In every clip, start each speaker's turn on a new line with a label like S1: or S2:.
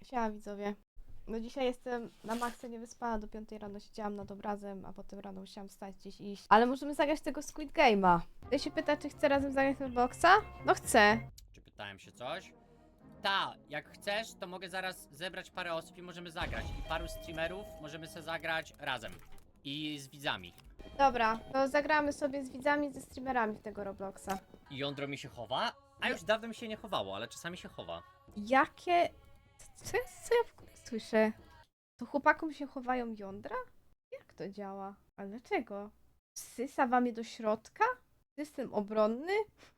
S1: Siema widzowie. No dzisiaj jestem na maksa niewyspana, do 5 rano siedziałam nad obrazem, a potem rano musiałam wstać gdzieś iść. Ale możemy zagrać tego Squid Game'a. Ktoś się pyta, czy chcę razem zagrać na Boxa? No chcę.
S2: Czy pytałem się coś? Ta, jak chcesz, to mogę zaraz zebrać parę osób i możemy zagrać. I paru streamerów możemy sobie zagrać razem. I z widzami.
S1: Dobra, to zagramy sobie z widzami, ze streamerami w tego Robloxa.
S2: I jądro mi się chowa? A już dawno mi się nie chowało, ale czasami się chowa.
S1: Jakie... Co ja w ogóle słyszę? To chłopakom się chowają jądra? Jak to działa? Ale dlaczego? Wsysa wam je do środka? System obronny?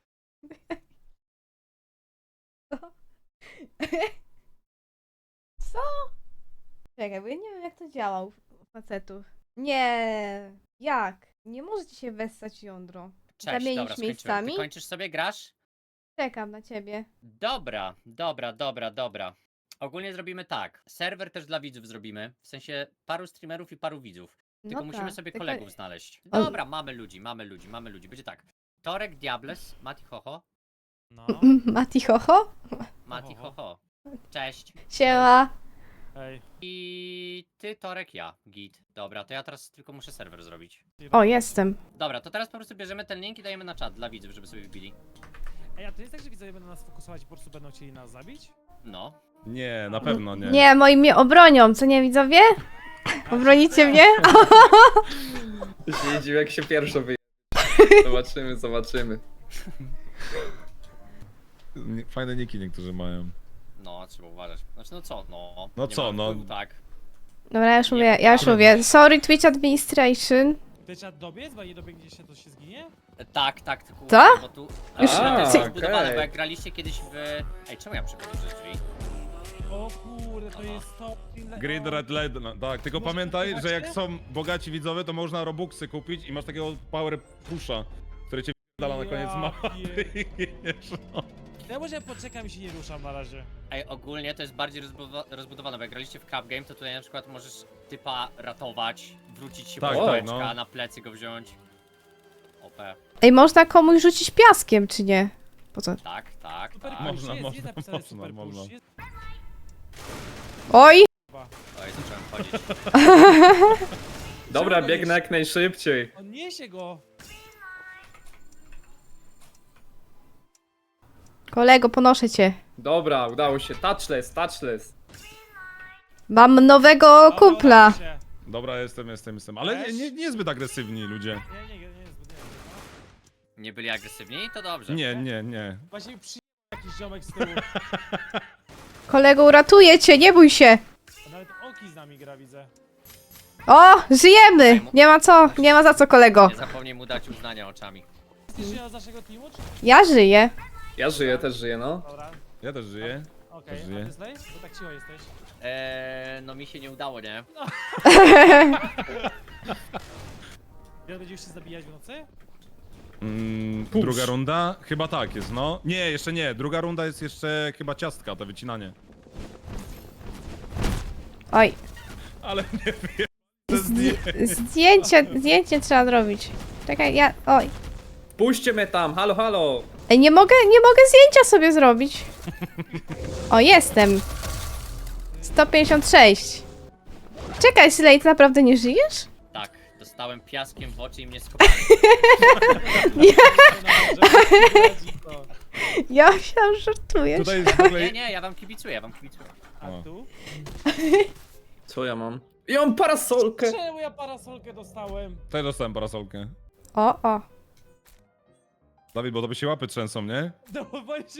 S1: Co? Co? Czekaj, bo ja nie wiem jak to działa u facetów. Nie. Jak? Nie możecie się wessać jądro.
S2: Cześć,
S1: Zamienić
S2: dobra, skończyłem.
S1: miejscami?
S2: Ty kończysz sobie, grasz?
S1: Czekam na ciebie.
S2: Dobra. Ogólnie zrobimy tak. Serwer też dla widzów zrobimy. W sensie paru streamerów i paru widzów. Tylko
S1: No
S2: musimy
S1: tak,
S2: sobie
S1: tylko-
S2: kolegów znaleźć.
S1: On-
S2: Dobra, mamy ludzi. Będzie tak. Torek, Diables, Mati Hoho.
S3: No,
S1: Mati Hoho?
S2: Mati
S3: Hoho.
S2: Hoho. Cześć.
S1: Siema.
S3: ej.
S2: I ty, Torek, ja. Git. Dobra, to ja teraz tylko muszę serwer zrobić.
S1: O, jestem.
S2: Dobra, to teraz po prostu bierzemy ten link i dajemy na czat dla widzów, żeby sobie wbili.
S3: Ej, a to jest tak, że widzowie będą nas fokusować i po prostu będą chcieli nas zabić?
S2: No.
S4: Nie, na pewno nie.
S1: Nie, moi mnie obronią, co nie widzowie? Obronicie mnie?
S5: Się nie dziwię, jak się pierwszo wyje. Zobaczymy.
S4: Fajne niki niektórzy mają.
S2: No, trzeba uważać. Znaczy, no co, no.
S4: No
S2: nie
S4: co,
S2: ma
S4: no.
S2: wpływu, tak.
S1: Dobra, ja już mówię. Sorry, Twitch Administration.
S3: Ty trzeba dobiec, bo jak nie dobiegnie się, to się zginie?
S2: Tak, tylko
S1: Co?
S2: uważaj, bo tu...
S1: Już-
S2: Ale to jest
S5: A,
S2: zbudowane,
S5: okej.
S2: bo jak graliście kiedyś w... Ej, czemu ja przechodzę przez drzwi?
S3: O kurde, to jest to...
S4: Grid Red Led, no, tak, tylko
S3: Może
S4: pamiętaj, że jak
S3: kupować
S4: są bogaci widzowie, to można robuxy kupić i masz takiego power pusha, który cię dala na koniec
S3: Ja
S4: mapy.
S3: Ja może poczekam i się nie ruszam na razie.
S2: Ej, ogólnie to jest bardziej rozbudowane, bo jak graliście w Cup Game, to tutaj na przykład możesz typa ratować, wrócić się
S4: Tak,
S2: po
S5: tak,
S2: no.
S4: no.
S2: na plecy go wziąć. OP.
S1: Ej, można komuś rzucić piaskiem, czy nie? Po co?
S2: Tak.
S3: Super push,
S4: Można,
S3: jest,
S4: można,
S3: jest napisane
S4: można,
S3: super
S4: można.
S3: push. Jest...
S1: Oj!
S2: Oj, zacząłem chodzić.
S5: Dobra,
S3: Czemu go
S5: biegnę
S3: nie-
S5: jak najszybciej.
S3: On niesie go!
S1: Kolego, ponoszę cię.
S5: Dobra, udało się. Touchless.
S1: Mam nowego
S3: Dobra,
S1: kumpla.
S3: udało się.
S4: Dobra, jestem. Ale nie zbyt agresywni ludzie.
S3: Nie, zbyt nie.
S2: Nie byli agresywni? To dobrze.
S4: Nie.
S3: Właśnie jakiś ziomek z tyłu.
S1: Kolego, uratuję cię, nie bój się.
S3: A nawet Oki z nami gra, widzę.
S1: O, żyjemy! Nie ma za co, kolego.
S2: Nie zapomnij mu dać uznania oczami.
S3: Jesteś z naszego teamu, czy...
S1: Ja żyję.
S5: Ja żyję, też żyję, no.
S3: Dobra,
S4: Ja też żyję.
S3: okej,
S4: Też żyję.
S3: a ty Slay? Bo tak cicho jesteś.
S2: No mi się nie udało, nie?
S3: Teraz będziesz się zabijać w nocy?
S5: Push.
S4: Druga runda? Chyba tak jest, no. Nie, jeszcze nie. Druga runda jest jeszcze chyba ciastka, to wycinanie.
S1: Oj,
S4: Ale nie wiem.
S1: zdjęcie trzeba zrobić. Czekaj, oj.
S5: Puśćcie mnie tam, halo.
S1: Ej, nie mogę zdjęcia sobie zrobić. O, jestem. 156. Czekaj, Slay, ty naprawdę nie żyjesz?
S2: Tak, dostałem piaskiem w oczy i mnie skopali.
S1: Ja myślałam, że żartujesz.
S4: Tutaj jest w ogóle...
S2: Nie, ja wam kibicuję.
S3: A
S4: O.
S3: tu?
S5: Co ja mam? I mam parasolkę.
S3: Czemu ja parasolkę dostałem?
S4: Tutaj dostałem parasolkę.
S1: O.
S4: Dawid, bo to by się łapy trzęsą, nie?
S3: No bo się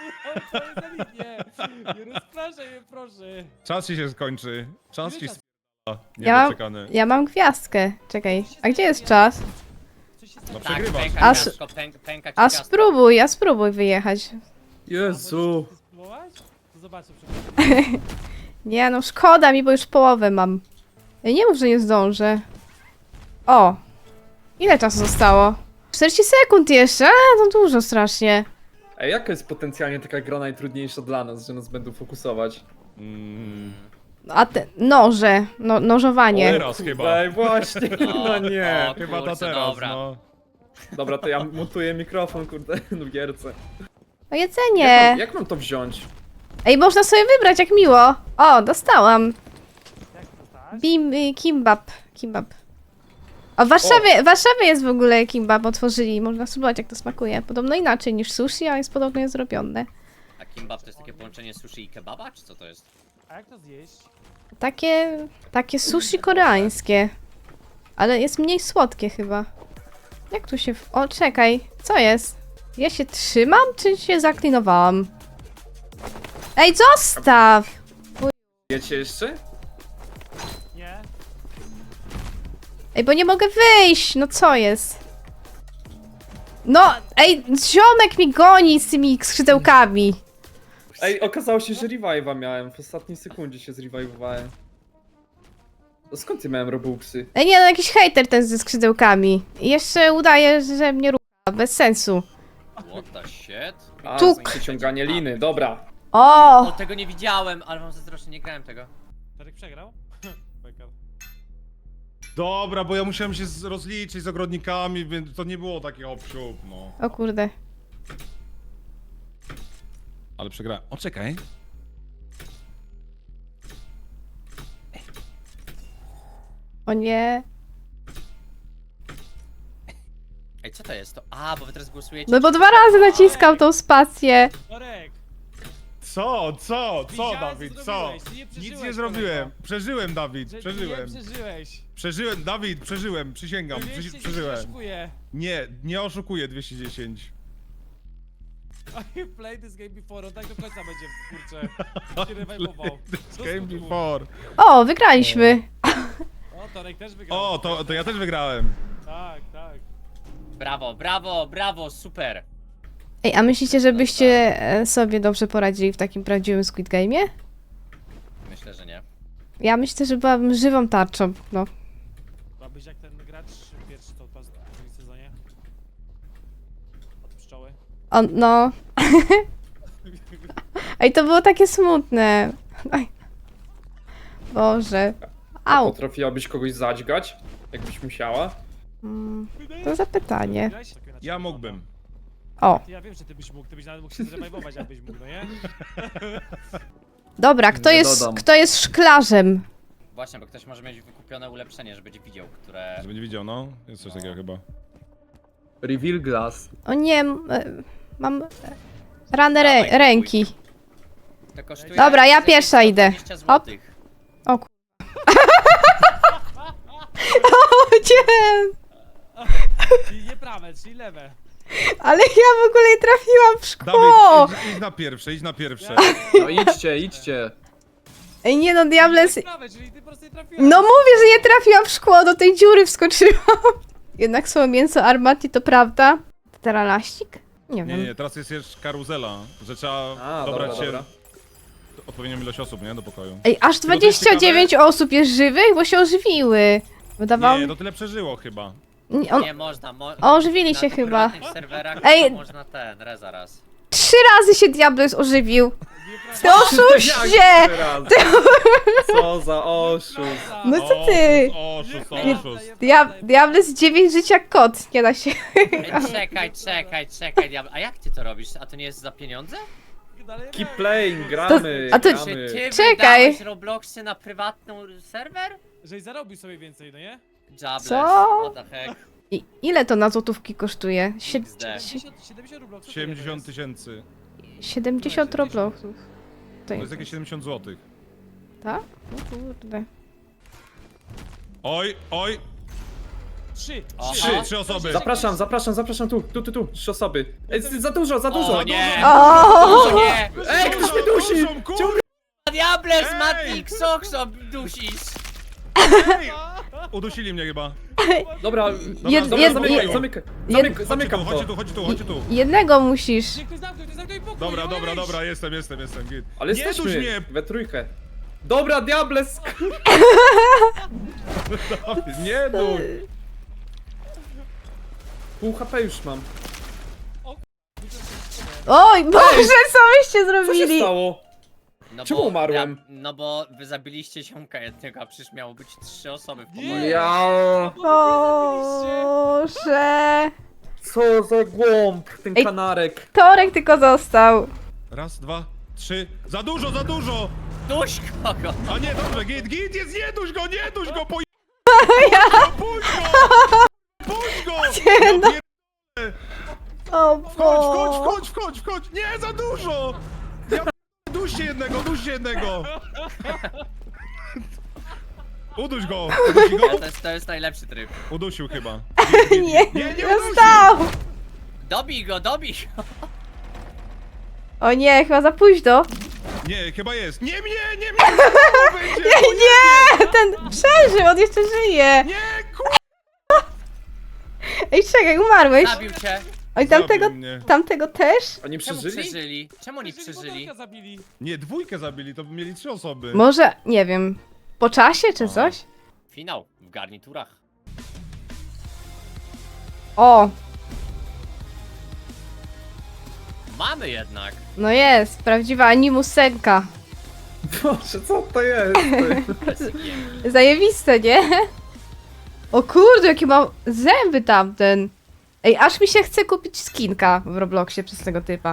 S3: nie rozpraszaj mnie, proszę.
S4: Czas ci się skończy. Czas
S3: Ile
S4: ci
S3: czasu?
S4: sp***a.
S1: Ja-
S4: Niedoczekany.
S1: Ja mam gwiazdkę. Czekaj, a gdzie jest czas?
S3: Coś się
S4: No
S3: stało.
S2: Tak,
S4: przegrywasz.
S2: pęka
S1: A
S2: ciastko, pęka ci
S1: A
S2: ciastko.
S1: spróbuj wyjechać.
S5: Jezu.
S3: Chcesz spróbować? To zobaczę przepraszam.
S1: Nie no, szkoda mi, bo już połowę mam. Ja nie mów, że nie zdążę. O! Ile czasu zostało? 40 sekund jeszcze? To dużo strasznie.
S5: Ej, jaka jest potencjalnie taka gra najtrudniejsza dla nas, że nas będą fokusować?
S1: A te noże, nożowanie.
S4: Teraz chyba.
S5: Ej, właśnie, no nie.
S2: O,
S4: Chyba ta
S2: kurczę,
S4: teraz,
S2: dobra.
S4: no.
S5: Dobra, to ja montuję mikrofon, kurde, w gierce.
S1: O jedzenie!
S5: Jak mam to wziąć?
S1: Ej, można sobie wybrać, jak miło. O, dostałam.
S3: Jak to stać?
S1: Kimbap. Kimbap. A w Warszawie jest w ogóle kimbap, otworzyli. Można spróbować, jak to smakuje. Podobno inaczej niż sushi, a jest podobnie zrobione.
S2: A kimbap to jest takie połączenie sushi i kebaba, czy co to jest?
S3: A jak to zjeść?
S1: Takie sushi koreańskie. Ale jest mniej słodkie chyba. Jak tu się... O, czekaj. Co jest? Ja się trzymam, czy się zaklinowałam? Ej, zostaw!
S5: Wiecie jeszcze?
S3: Nie?
S1: Ej, bo nie mogę wyjść! No co jest? No, ej, ziomek mi goni z tymi skrzydełkami.
S5: Ej, okazało się, że revive'a miałem. W ostatniej sekundzie się zrewivowałem. To skąd ja miałem robuxy?
S1: Ej, nie, no jakiś hejter ten ze skrzydełkami. I jeszcze udaje, że mnie rucha. Bez sensu.
S2: What the shit?
S5: A,
S1: Tuk.
S5: przyciąganie liny, dobra.
S2: O,
S1: O!
S2: tego nie widziałem, ale wam zazdroszczę, nie grałem tego.
S3: Tarek przegrał? Beka.
S4: Dobra, bo ja musiałem się rozliczyć z ogrodnikami, więc to nie było takie hop-siup, no.
S1: O kurde.
S4: Ale przegrałem. O, czekaj.
S1: O nie.
S2: Ej, co to jest to? A, bo wy teraz głosujecie.
S1: No bo 2 razy naciskał tą spację.
S3: Tarek!
S4: Co,
S3: Widziałem,
S4: Dawid,
S3: co
S4: co?
S3: zrobiłeś. Ty nie
S4: Nic
S3: przeżyłeś,
S4: nie zrobiłem.
S3: kolego.
S4: Przeżyłem, Dawid,
S3: Że
S4: przeżyłem.
S3: Nie przeżyłeś.
S4: Przeżyłem, Dawid, przeżyłem, przysięgam,
S3: 210 się
S4: przeżyłem.
S3: oszukuje.
S4: Nie oszukuję 210.
S3: I played this game before, on tak do końca będzie, kurczę, się rewajmował.
S4: Game before.
S1: O, wygraliśmy.
S3: O, Torek też wygrał.
S4: O, to ja też wygrałem.
S3: Tak, tak.
S2: Brawo, brawo, brawo, super.
S1: Ej, a myślicie, żebyście sobie dobrze poradzili w takim prawdziwym Squid Game'ie?
S2: Myślę, że nie.
S1: Ja myślę, że byłabym żywą tarczą, no.
S3: Byłabyś jak ten gracz pierwszy to pas w drugim sezonie. Od pszczoły.
S1: O, no. Ej, to było takie smutne. Oj. Boże. Au.
S5: Potrafiłabyś kogoś zadźgać? Jakbyś musiała?
S1: To zapytanie.
S3: Grałeś? Tak inaczej
S4: Ja
S3: wygląda.
S4: mógłbym.
S1: O,
S3: Ja wiem, że ty byś nawet mógł się zrewajwować, jakbyś mógł, no nie?
S1: dobra, kto
S5: Nie
S1: jest,
S5: dodam.
S1: kto jest szklarzem?
S2: Właśnie, bo ktoś może mieć wykupione ulepszenie, że będzie widział, które...
S4: Żeby nie widział, no. Jest coś takiego chyba.
S5: Reveal glass.
S1: O nie, mam ranę ręki.
S2: To kosztuje...
S1: Dobra, ja pierwsza idę.
S2: 120
S1: Hop.
S2: złotych.
S1: O kur... O nie!
S3: Czyli nie prawe, czyli lewe.
S1: Ale ja w ogóle nie trafiłam w szkło!
S4: Dawid, idź na pierwsze, idź na pierwsze.
S5: No idźcie, idźcie.
S1: Ej, nie no, Diables...
S3: Nie prawe, czyli ty po prostu nie trafiłeś.
S1: No mówię, że nie trafiłam w szkło, do tej dziury wskoczyłam. Jednak słowo mięso armati to prawda. Teralaścik? Nie wiem.
S4: Nie, teraz jest jeszcze karuzela, że trzeba
S5: A,
S4: dobrać
S5: dobra,
S4: się
S5: dobra.
S4: odpowiednią ilość osób, nie? Do pokoju.
S1: Ej, aż
S4: Tylko to jest
S1: 29 osób jest żywych, bo się ożywiły. Wydawało
S4: Nie,
S1: mi...
S4: to tyle przeżyło chyba.
S2: Nie można,
S1: Ożywili się
S2: na
S1: chyba.
S2: prywatnych serwerach
S1: Ej.
S2: to można zaraz.
S1: 3 razy się Diables ożywił.
S3: Nie
S1: Ty
S3: prawe.
S1: oszuście!
S5: Teraz. Co za oszust.
S1: No co ty?
S4: Oszust,
S3: Nie,
S4: oszust.
S1: Diables 9 żyć jak kot, nie da się.
S2: Ej, czekaj, diablo. A jak ty to robisz? A to nie jest za pieniądze?
S3: Dalej
S5: Keep
S3: nie.
S5: playing, gramy,
S1: a to-
S2: Czy
S5: gramy.
S2: ty
S1: Czekaj.
S2: wydałeś Robloxy na prywatny serwer?
S3: Żeś zarobił sobie więcej, no nie?
S2: Jobless,
S1: Co?
S2: what the heck.
S1: Ile to na złotówki kosztuje?
S2: XD.
S3: 70 rubli.
S4: 70 tysięcy.
S1: 70 robloxów.
S4: To jest jakieś 70 zł.
S1: Tak? No kurde.
S4: Oj,
S3: 3.
S2: Aha.
S4: trzy osoby.
S5: Zapraszam, tu. 3 osoby. Ej, za dużo.
S2: O nie!
S1: O!
S2: O nie!
S5: Ej, ktoś mnie dusi!
S2: Diables,
S4: Ej!
S2: Matik, Soxo, dusisz!
S4: Ej! Udusili mnie chyba.
S5: Dobra, zamykam to.
S4: Chodź tu.
S1: Jednego musisz.
S3: Niech ktoś zamknął pokój.
S4: Dobra, jestem, git.
S5: Ale
S4: Nie duś
S5: jesteśmy
S4: mnie!
S5: we trójkę. Dobra, Diables!
S4: Nie duś!
S5: Pół HP już mam.
S1: Oj, Boże, co byście
S5: Co się
S1: zrobili?
S5: stało?
S2: No
S5: Czemu umarłem?
S2: No bo wy zabiliście ziomka jednego, a przecież miało być 3 osoby w pokoju.
S3: Nie.
S5: Ja.
S1: Boże.
S5: Co za głąb, ten
S1: Ej.
S5: kanarek.
S1: Torek tylko został.
S4: Raz, dwa, trzy. Za dużo!
S2: Duś kogo!
S4: A nie, dobrze, git jest, nie duś go, po... Puść go!
S1: Nie, no.
S4: Ja pier-
S1: O
S4: Wchodź! Nie, za dużo! Ja duście jednego! Uduś go!
S2: To jest najlepszy tryb.
S4: Udusił chyba.
S1: Nie,
S4: udusił!
S1: dostał!
S2: Dobij go!
S1: O nie, chyba za późno.
S4: Nie, chyba jest. Nie mnie!
S1: Nie, ten przeżył, on jeszcze żyje.
S4: Nie,
S1: Ej, czekaj, umarłeś.
S2: Zabił cię!
S1: Oj,
S4: Zabił mnie.
S1: tamtego też?
S5: Oni
S2: Czemu
S5: przeżyli?
S2: przeżyli? Czemu oni przeżyli?
S3: Wodorka zabili.
S4: Nie, dwójkę zabili, to mieli 3 osoby.
S1: Może, nie wiem, po czasie czy coś?
S2: Finał w garniturach.
S1: O,
S2: Mamy jednak!
S1: no jest, prawdziwa animusenka.
S5: Boże, co to jest? Ty?
S1: Zajebiste, nie? O kurde, jakie ma zęby tamten. Ej, aż mi się chce kupić skinka w Robloxie przez tego typa.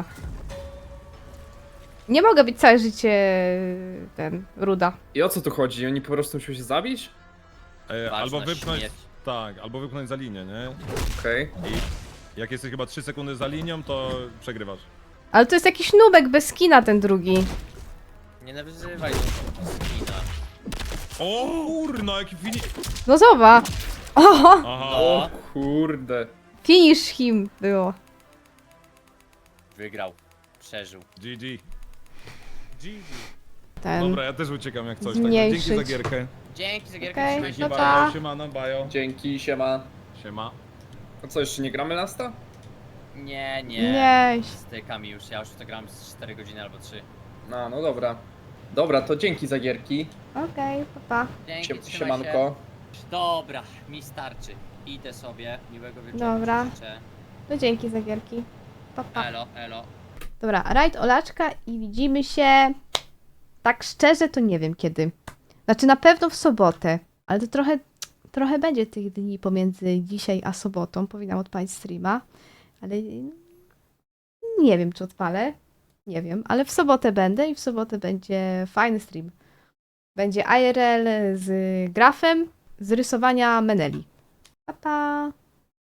S1: Nie mogę być całe życie ruda.
S5: I o co tu chodzi? Oni po prostu muszą się zabić?
S4: Albo
S2: Ważna
S4: wypchnąć...
S2: śmierć.
S4: Tak, albo wypchnąć za linię, nie?
S5: Okej.
S4: I jak jesteś chyba 3 sekundy za linią, to przegrywasz.
S1: Ale to jest jakiś nubek bez skina ten drugi.
S2: Nie nawyzywaj do skina.
S4: O kurna, jaki fini...
S1: No zobacz. Oho,
S4: Aha.
S5: O kurde.
S1: finish him było.
S2: Wygrał. Przeżył.
S4: GG.
S3: GG.
S1: Ten.
S4: Dobra, ja też uciekam jak coś. Także
S1: Zmniejszyć.
S4: dzięki za gierkę.
S2: Dzięki za gierkę.
S1: Okej,
S2: trzymaj się.
S1: no
S4: Dzięki,
S1: pa.
S4: bajo, siemano, bajo.
S5: Dzięki, siema.
S4: Siema.
S5: A co, jeszcze nie gramy Lasta?
S2: Nie.
S1: Nie.
S2: Stykami już. Ja już to gram z 4 godziny albo 3.
S5: No dobra. Dobra, to dzięki za gierki.
S1: Okej, papa.
S2: Dzięki, trzymaj się.
S5: Siemanko.
S2: Dobra, mi starczy. Idę sobie. Miłego wieczoru.
S1: Dobra.
S2: Życzę.
S1: No dzięki za gierki. Papa.
S2: Elo.
S1: Dobra, rajd Olaczka i widzimy się. Tak szczerze to nie wiem kiedy. Znaczy na pewno w sobotę, ale to trochę będzie tych dni pomiędzy dzisiaj a sobotą. Powinnam odpalić streama, ale nie wiem czy odpalę. Nie wiem, ale w sobotę będę i w sobotę będzie fajny stream. Będzie IRL z grafem z rysowania Meneli. Pa, pa.